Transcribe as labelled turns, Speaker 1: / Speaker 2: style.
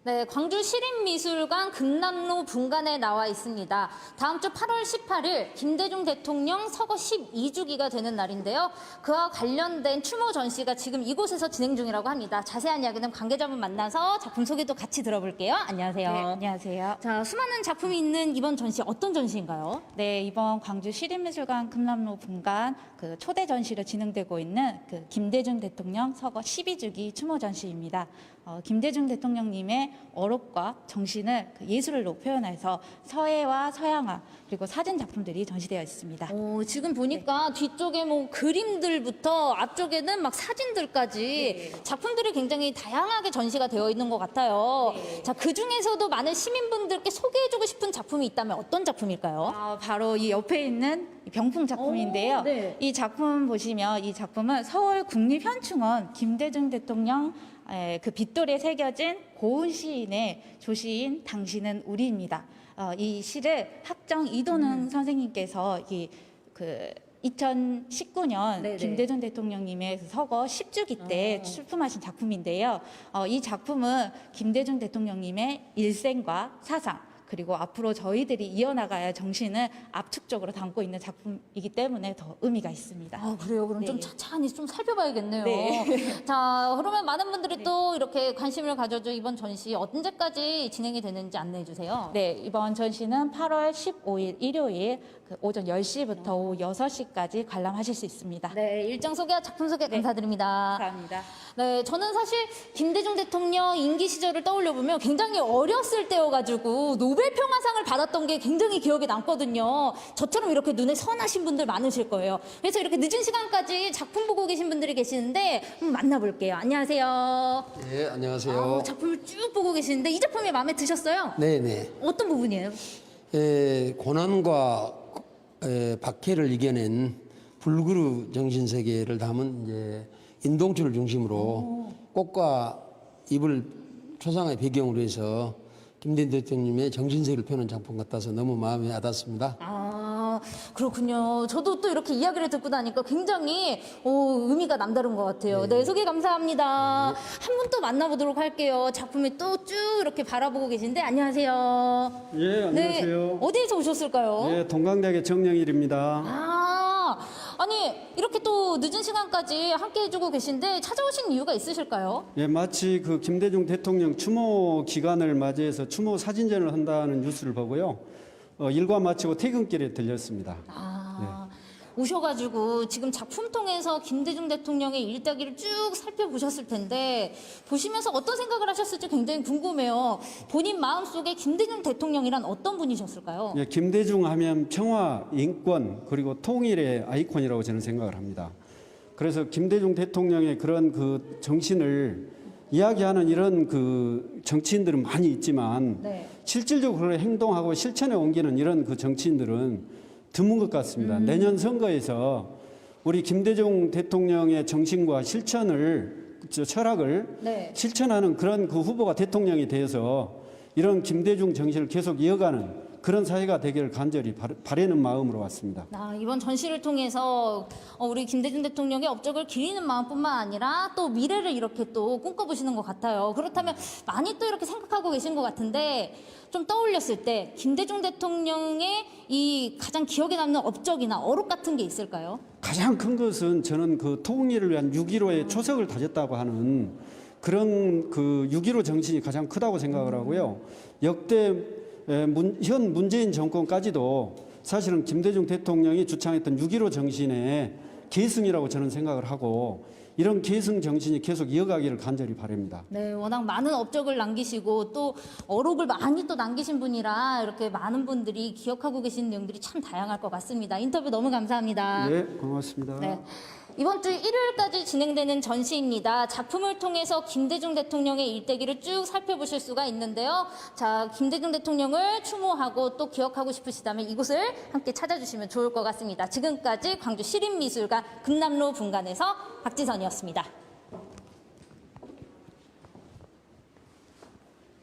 Speaker 1: 네, 광주 시립미술관 금남로 분관에 나와 있습니다. 다음 주 8월 18일 김대중 대통령 서거 12주기가 되는 날인데요. 그와 관련된 추모 전시가 지금 이곳에서 진행 중이라고 합니다. 자세한 이야기는 관계자분 만나서 작품 소개도 같이 들어볼게요. 안녕하세요.
Speaker 2: 네, 안녕하세요.
Speaker 1: 자, 수많은 작품이 있는 이번 전시 어떤 전시인가요?
Speaker 2: 네, 이번 광주 시립미술관 금남로 분관 그 초대 전시로 진행되고 있는 그 김대중 대통령 서거 12주기 추모 전시입니다. 김대중 대통령님의 어록과 정신을 그 예술로 표현해서 서예와 서양화 그리고 사진 작품들이 전시되어 있습니다.
Speaker 1: 지금 보니까 뒤쪽에 뭐 그림들부터 앞쪽에는 막 사진들까지 작품들이 굉장히 다양하게 전시가 되어 있는 것 같아요. 자, 그 중에서도 많은 시민분들께 소개해주고 싶은 작품이 있다면 어떤 작품일까요?
Speaker 2: 바로 이 옆에 있는 병풍 작품인데요.
Speaker 1: 네.
Speaker 2: 이 작품 보시면 이 작품은 서울 국립현충원 김대중 대통령 그 빗돌에 새겨진 고은 시인의 조시인 당신은 우리입니다. 이 시를 학정 이도능 선생님께서 그 2019년
Speaker 1: 네네.
Speaker 2: 김대중 대통령님의 그 서거 10주기 때 출품하신 작품인데요. 이 작품은 김대중 대통령님의 일생과 사상 그리고 앞으로 저희들이 이어나가야 정신을 압축적으로 담고 있는 작품이기 때문에 더 의미가 있습니다.
Speaker 1: 그래요? 그럼 좀
Speaker 2: 네.
Speaker 1: 차차히 좀 살펴봐야겠네요.
Speaker 2: 네.
Speaker 1: 자, 그러면 많은 분들이 또 이렇게 관심을 가져줘 이번 전시 언제까지 진행이 되는지 안내해 주세요.
Speaker 2: 네, 이번 전시는 8월 15일 일요일 그 오전 10시부터 오후 6시까지 관람하실 수 있습니다.
Speaker 1: 네, 일정 소개와 작품 소개 감사드립니다.
Speaker 2: 감사합니다.
Speaker 1: 네, 저는 사실 김대중 대통령 임기 시절을 떠올려 보면 굉장히 어렸을 때여가지고 노벨 평화상을 받았던 게 굉장히 기억에 남거든요. 저처럼 이렇게 눈에 선하신 분들 많으실 거예요. 그래서 이렇게 늦은 시간까지 작품 보고 계신 분들이 계시는데 한번 만나볼게요. 안녕하세요.
Speaker 3: 네, 안녕하세요.
Speaker 1: 작품을 쭉 보고 계시는데 이 작품이 마음에 드셨어요?
Speaker 3: 네네.
Speaker 1: 어떤 부분이에요?
Speaker 3: 고난과 박해를 이겨낸 불그루 정신 세계를 담은 이제 인동주를 중심으로 꽃과 잎을 초상화의 배경으로 해서 김대중 대통령님의 정신세계를 표현한 작품 같아서 너무 마음에 와닿습니다.
Speaker 1: 그렇군요. 저도 또 이렇게 이야기를 듣고 나니까 굉장히 의미가 남다른 것 같아요. 네, 소개 감사합니다. 한 분 또 만나보도록 할게요. 작품이 또 쭉 이렇게 바라보고 계신데 안녕하세요.
Speaker 4: 예, 안녕하세요.
Speaker 1: 네, 어디에서 오셨을까요?
Speaker 4: 예, 동강대학의 정영일입니다.
Speaker 1: 아니 이렇게 또 늦은 시간까지 함께 해주고 계신데 찾아오신 이유가 있으실까요?
Speaker 4: 예, 마치 그 김대중 대통령 추모 기간을 맞이해서 추모 사진전을 한다는 뉴스를 보고요. 일과 마치고 퇴근길에 들렸습니다.
Speaker 1: 오셔가지고 지금 작품 통해서 김대중 대통령의 일대기를 쭉 살펴보셨을 텐데 보시면서 어떤 생각을 하셨을지 굉장히 궁금해요. 본인 마음속에 김대중 대통령이란 어떤 분이셨을까요?
Speaker 4: 예, 김대중 하면 평화, 인권, 그리고 통일의 아이콘이라고 저는 생각을 합니다. 그래서 김대중 대통령의 그런 그 정신을 이야기하는 이런 그 정치인들은 많이 있지만 실질적으로 행동하고 실천에 옮기는 이런 그 정치인들은 드문 것 같습니다. 내년 선거에서 우리 김대중 대통령의 정신과 실천을 철학을 실천하는 그런 그 후보가 대통령이 되어서 이런 김대중 정신을 계속 이어가는 그런 사회가 되기를 간절히 바라는 마음으로 왔습니다.
Speaker 1: 이번 전시를 통해서 우리 김대중 대통령의 업적을 기리는 마음뿐만 아니라 또 미래를 이렇게 또 꿈꿔보시는 것 같아요. 그렇다면 많이 또 이렇게 생각하고 계신 것 같은데 좀 떠올렸을 때 김대중 대통령의 이 가장 기억에 남는 업적이나 어록 같은 게 있을까요?
Speaker 4: 가장 큰 것은 저는 그 통일을 위한 6.15의 초석을 다졌다고 하는 그런 그 6.15 정신이 가장 크다고 생각을 하고요. 역대 현 문재인 정권까지도 사실은 김대중 대통령이 주창했던 6.15 정신의 계승이라고 저는 생각을 하고 이런 계승 정신이 계속 이어가기를 간절히 바랍니다.
Speaker 1: 네, 워낙 많은 업적을 남기시고 또 어록을 많이 또 남기신 분이라 이렇게 많은 분들이 기억하고 계신 내용들이 참 다양할 것 같습니다. 인터뷰 너무 감사합니다.
Speaker 4: 네, 고맙습니다.
Speaker 1: 네. 이번 주 일요일까지 진행되는 전시입니다. 작품을 통해서 김대중 대통령의 일대기를 쭉 살펴보실 수가 있는데요. 자, 김대중 대통령을 추모하고 또 기억하고 싶으시다면 이곳을 함께 찾아주시면 좋을 것 같습니다. 지금까지 광주 시립미술관 금남로 분관에서 박지선이었습니다.